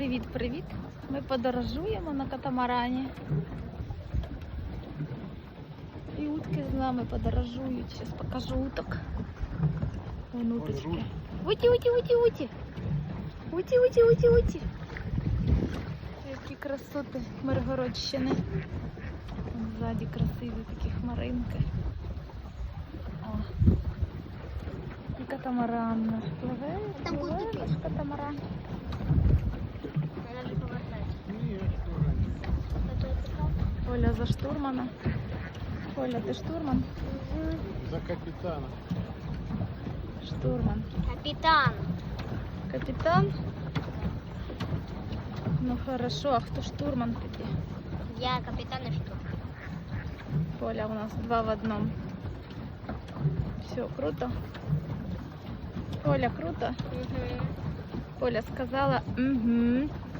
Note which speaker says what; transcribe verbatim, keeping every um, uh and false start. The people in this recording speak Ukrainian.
Speaker 1: Привіт-привіт! Ми подорожуємо на катамарані. І утки з нами подорожують. Зараз покажу уток. Вон уточки. Уті, уті, уті, уті. Уті, уті, уті, уті. Які красоти Миргородщини. Вон ззаді красиві такі хмаринки. О. І катамаран наш пливе,
Speaker 2: Там
Speaker 1: пливе
Speaker 2: буде
Speaker 1: наш катамаран.
Speaker 2: Надо же повертати.
Speaker 1: Оля за штурмана. Оля, ти штурман?
Speaker 3: За капитана.
Speaker 1: Штурман.
Speaker 2: Капітан.
Speaker 1: Капітан? Ну хорошо, а хто штурман тоді?
Speaker 2: Я капітан і штурм.
Speaker 1: Оля у нас два в одном. Все, круто. Оля, круто.
Speaker 2: Угу.
Speaker 1: Оля сказала, угу.